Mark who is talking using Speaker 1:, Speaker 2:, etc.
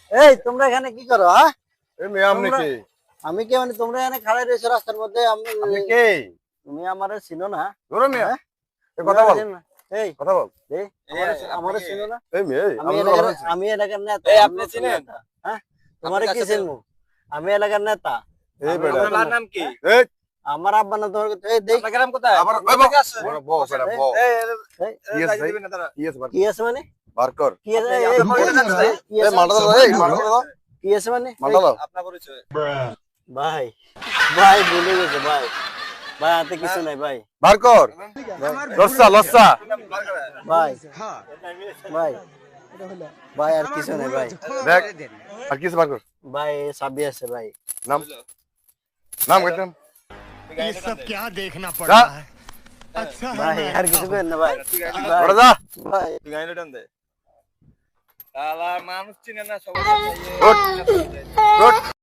Speaker 1: এই তোমরা এখানে কি করো? হ্যাঁ,
Speaker 2: এই মেয়ে আপনি
Speaker 1: তোমরা-
Speaker 2: কে?
Speaker 1: আমি কে মানে তোমরা এখানে খাড়াই রয়েছো রাস্তার মধ্যে?
Speaker 2: আপনি কে?
Speaker 1: তুমি আমারে চিনো না?
Speaker 2: ধরো মেয়ে,
Speaker 1: হ্যাঁ?
Speaker 2: এই কথা বল,
Speaker 1: চিনো না? এই
Speaker 2: কথা বল।
Speaker 1: এই আমারে চিনো না?
Speaker 2: এই মেয়ে,
Speaker 1: আমি
Speaker 2: আমি
Speaker 1: এলাকার
Speaker 2: কথা বলছি।
Speaker 1: আমি এলাকার নেতা।
Speaker 3: এই
Speaker 1: আমি
Speaker 3: আপনি
Speaker 1: নতুন
Speaker 3: চিনেন?
Speaker 1: নেতা। হ্যাঁ, তোমারে কি
Speaker 3: কাছে
Speaker 1: চিনবো? আমি এলাকার নেতা।
Speaker 2: এই
Speaker 1: আমি
Speaker 2: বেটা,
Speaker 1: নতুন
Speaker 3: আপনার
Speaker 1: নেতা।
Speaker 3: নাম কি?
Speaker 2: এই
Speaker 1: আমার আব্বা না তোমার এই দেখ
Speaker 3: আপনার গ্রাম কোথায়?
Speaker 2: আবার
Speaker 3: আপনার
Speaker 2: ওই
Speaker 3: থেকে আসছে?
Speaker 2: বড় বউ বেটা বউ।
Speaker 3: এই,
Speaker 1: এই,
Speaker 2: কি আছে ভাই?
Speaker 3: দিবেন না তারা।
Speaker 2: কি আছে বার?
Speaker 1: কি আছে মানে?
Speaker 2: বার কর।
Speaker 1: কি আছে?
Speaker 3: আপনি-
Speaker 1: এই,
Speaker 3: আপনার
Speaker 1: কি
Speaker 3: পরিচয়
Speaker 1: আছে?
Speaker 3: জানতে চাই?
Speaker 1: কি
Speaker 2: এই
Speaker 1: আছে?
Speaker 2: মারটা দাও, এই মারটা দাও।
Speaker 1: কি আছে মানে?
Speaker 2: মারটা দাও।
Speaker 3: আপনার পরিচয়।
Speaker 1: ভাই ভাই ভুলে গেছে ভাই। ভাই হাতে কিছু নাই ভাই।
Speaker 2: বার কর। লস্যা লস্যা।
Speaker 1: ভাই ভাই ভাই আর কিছু নাই ভাই।
Speaker 2: দেখ আর কিছু বার কর।
Speaker 1: ভাই চাবি আছে ভাই।
Speaker 2: নাম নাম কইতাম।
Speaker 4: ये सब क्या देखना पड़
Speaker 2: जा।
Speaker 4: रहा है अच्छा है
Speaker 1: ভাই
Speaker 4: मैं
Speaker 1: আর কিছু করেন না ভাই।
Speaker 2: ওরে যা।
Speaker 1: ভাই
Speaker 3: তুই গাইলে টান দে। শালা মানুষ চিনে না সবাই।
Speaker 2: উঠ। উঠ।